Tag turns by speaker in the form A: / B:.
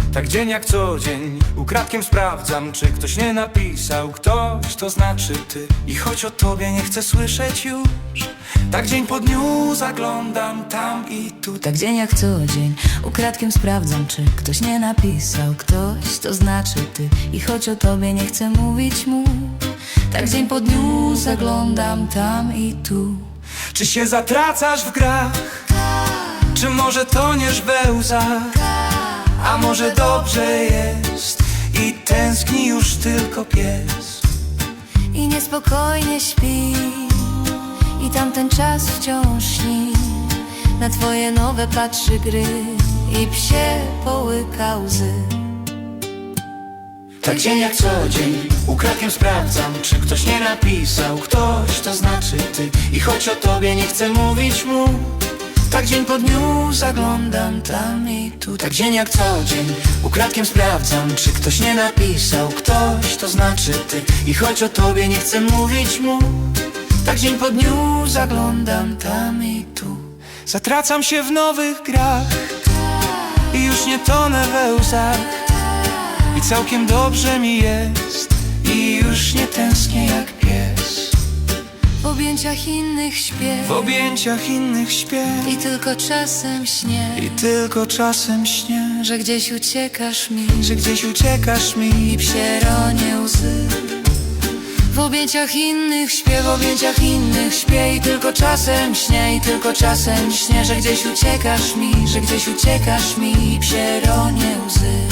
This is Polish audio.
A: Tak dzień jak co dzień, ukradkiem sprawdzam, czy ktoś nie napisał. Ktoś, to znaczy ty. I choć o tobie nie chcę słyszeć już, tak dzień po dniu zaglądam tam i tu.
B: Tak dzień jak co dzień, ukradkiem sprawdzam, czy ktoś nie napisał. Ktoś, to znaczy ty. I choć o tobie nie chcę mówić mu, tak dzień po dniu zaglądam tam i tu.
A: Czy się zatracasz w grach? Czy może toniesz we łzach? A może dobrze jest i tęskni już tylko pies?
B: I niespokojnie śpi, i tamten czas wciąż śni. Na twoje nowe patrzy gry i psie połyka łzy.
A: Tak dzień jak co dzień, ukradkiem sprawdzam, czy ktoś nie napisał. Ktoś, to znaczy ty. I choć o tobie nie chcę mówić mu, tak dzień po dniu zaglądam tam i tu. Tak dzień jak co dzień, ukradkiem sprawdzam, czy ktoś nie napisał. Ktoś, to znaczy ty. I choć o tobie nie chcę mówić mu, tak dzień po dniu zaglądam tam i tu. Zatracam się w nowych grach i już nie tonę we łzach. I całkiem dobrze mi jest i już nie tęsknię jak pies.
B: W objęciach innych śpię,
A: W objęciach innych śpię
B: i tylko czasem śnię,
A: i tylko czasem śnię,
B: że gdzieś uciekasz mi,
A: że gdzieś uciekasz mi
B: i psie ronie łzy. W objęciach innych śpię, w objęciach innych śpię, i tylko czasem śnię, i tylko czasem śnię, że gdzieś uciekasz mi, że gdzieś uciekasz mi, i psie ronie łzy.